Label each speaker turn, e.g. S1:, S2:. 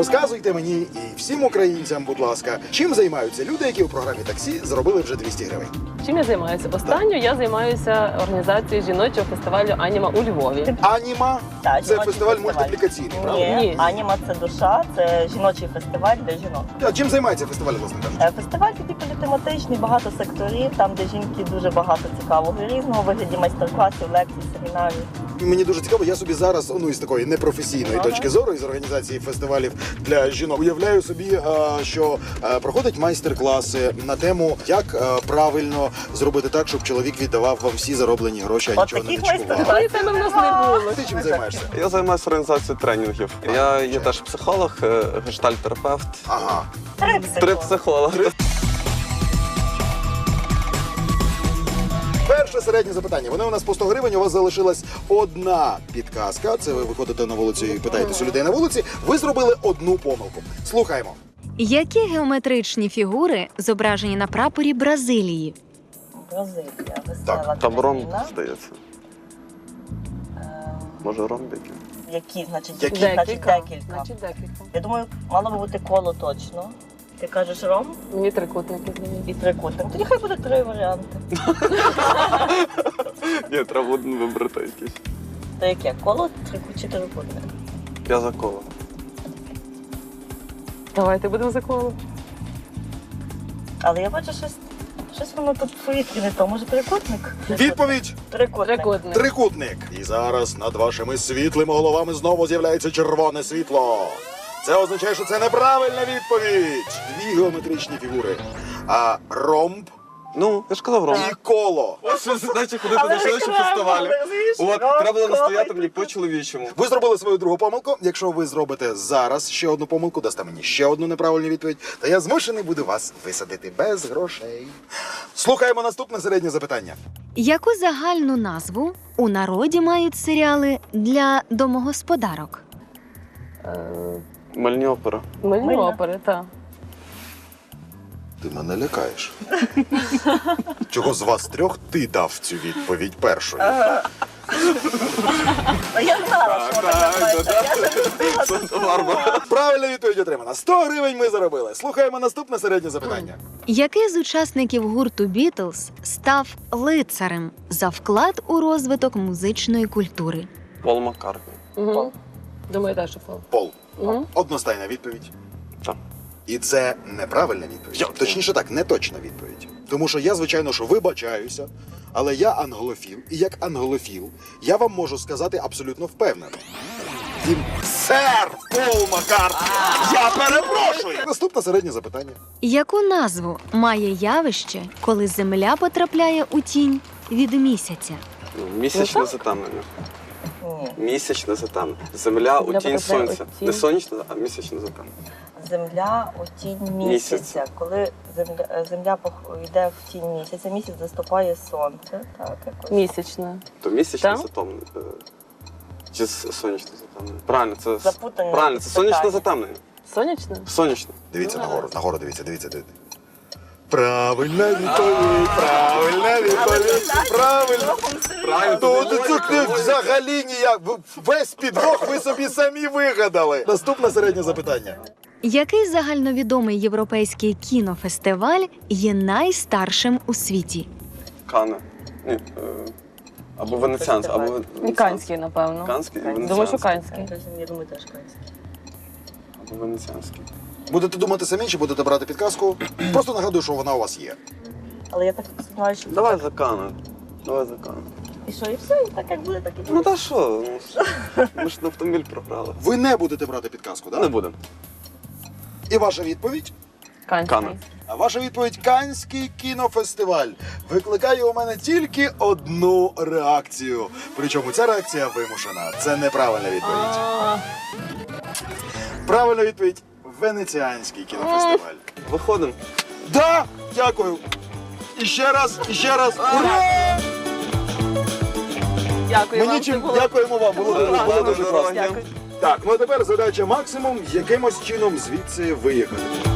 S1: Розказуйте мені і всім українцям, будь ласка, чим займаються люди, які у програмі «Таксі» заробили вже 200 гривень?
S2: Чим я займаюся? Останньою я займаюся організацією жіночого фестивалю «Аніма» у Львові.
S1: «Аніма»
S3: Так,
S1: – це
S3: жіночий
S1: фестиваль
S3: фестиваль.
S1: мультиплікаційний, правда?
S2: Ні.
S3: Аніма – це душа, це жіночий фестиваль для жінок.
S1: А чим займається фестиваль, власне кажучи?
S3: Фестиваль такий політематичний, багато секторів, там, де жінки дуже багато цікавого і різного, у вигляді майстер-класів, лекцій, семінарів.
S1: Мені дуже цікаво, я собі зараз, із такої непрофесійної точки зору, із організації фестивалів для жінок, уявляю собі, що проходять майстер-класи на тему, як правильно зробити так, щоб чоловік віддавав вам всі зароблені гроші, а
S3: От
S1: нічого не
S3: таких
S1: відчував.
S3: майстер-класів
S2: Теми в нас не було.
S1: Ти чим займаєшся?
S4: Я займаюся організацією тренінгів. Я є теж психолог, гештальт-терапевт.
S1: Ага.
S4: Три психолога.
S1: Перше середнє запитання. Вони у нас по 100 гривень, у вас залишилась одна підказка. Це ви виходите на вулицю і питаєтесь у людей на вулиці. Ви зробили одну помилку. Слухаємо.
S5: Які геометричні фігури зображені на прапорі Бразилії?
S3: Бразилія, весела
S4: Там ромб,
S3: країна.
S4: здається. Може ромбики?
S3: Які, значить,
S1: Які?
S3: значить декілька.
S2: Значить, декілька.
S3: Я думаю, мало би бути коло точно. Ти кажеш ромб
S2: Мені трикутники здається.
S3: і трикутник. Тоді хай буде 3 варіанти.
S4: Ні, треба один вибрати якийсь.
S3: То яке? Коло, чи трикутник?
S4: Я за коло.
S2: Давайте будемо за коло.
S3: Але я бачу, щось воно тут в повітрі не то. Може трикутник?
S1: Відповідь
S3: Трикутник.
S2: Трикутник.
S1: трикутник. І зараз над вашими світлими головами знову з'являється червоне світло. Це означає, що це неправильна відповідь. Дві геометричні фігури. А ромб
S4: Ну, я ж казав ромб.
S1: і коло.
S4: Ось що значить ходити
S3: Але
S4: на жіночі
S3: реклама,
S4: фестивалі.
S3: розумієш?
S4: От,
S3: Ромб,
S4: треба було
S3: коло.
S4: настояти мені по-чоловічому.
S1: Ви зробили свою другу помилку. Якщо ви зробите зараз ще одну помилку, дасте мені ще одну неправильну відповідь, то я змушений буду вас висадити без грошей. Слухаємо наступне середнє запитання.
S5: Яку загальну назву у народі мають серіали для домогосподарок?
S4: Мальні опера.
S2: Мильні
S3: Мильна.
S2: опери, так.
S1: Ти мене лякаєш. Чого з вас трьох ти дав цю відповідь першою?
S3: А я знала, що вона називається. Я ще не встигла.
S4: Санта-Барбара.
S1: Правильна відповідь отримана. 100 гривень ми заробили. Слухаємо наступне середнє запитання.
S5: Який з учасників гурту «Бітлз» став лицарем за вклад у розвиток музичної культури?
S4: Пол Маккартні.
S2: Угу. Думаю, так, що Пол.
S1: Пол.
S2: Угу.
S1: Одностайна відповідь.
S4: Так.
S1: І це неправильна відповідь. Точніше так, не точна відповідь. Тому що я, звичайно, що вибачаюся, але я англофіл. І як англофіл, я вам можу сказати абсолютно впевнено. Він сер Пол Маккартні. Я перепрошую! Наступне середнє запитання.
S5: Яку назву має явище, коли Земля потрапляє у тінь від місяця?
S4: Місячне затемнення.
S3: Ні.
S4: Місячне затемнення. Земля у
S2: Земля
S4: тінь
S2: потрапляє у
S4: сонця.
S2: тінь.
S4: Не сонячне, а місячне затемнення.
S3: Земля у тінь місяця. Коли земля йде в тінь місяця, місяць заступає сонце. Так, якось.
S2: Місячне.
S4: То місячне
S2: Так?
S4: затемнення. Чи сонячне затемнення? Правильно, це
S3: Запутання
S4: правильно, це сонячне
S3: питання.
S4: затемнення.
S2: Сонячне?
S4: Сонячне.
S1: Дивіться нагору, дивіться. Правильна відповідь, правильна відповідь, правильно.
S4: Правильно.
S1: Ну, це взагалі ніяк. Весь підвох ви собі самі вигадали. Наступне середнє запитання.
S5: Який загальновідомий європейський кінофестиваль є найстаршим у світі?
S4: Кане. Ні, або венеціанський, або
S2: Канський, напевно.
S4: Канський і
S2: Думаю, що
S4: венеціанський.
S2: канський.
S3: Я думаю, теж канський.
S4: Або венеціанський.
S1: Будете думати самі, чи будете брати підказку? Просто нагадую, що вона у вас є.
S3: Але я так сподіваюся, що...
S4: Давай за Кане. Давай за Кане.
S3: І що, і все, і так як буде, так і буде.
S4: Ну та що? Ми ж на автомобіль програли.
S1: Ви не будете брати підказку,
S4: Не
S1: так?
S4: будемо.
S1: І ваша відповідь?
S2: Канський.
S4: Кане.
S1: А ваша відповідь Канський кінофестиваль викликає у мене тільки одну реакцію. Причому ця реакція вимушена. Це неправильна відповідь.
S2: А,
S1: Правильна відповідь Венеціанський кінофестиваль.
S4: Виходимо.
S1: Да! Дякую! І ще раз, ура!
S2: Дякую вам. це було-
S1: Дякуємо вам, було дуже класно.
S2: Дякую.
S1: Так, ну а тепер задача максимум якимось чином звідси виїхати.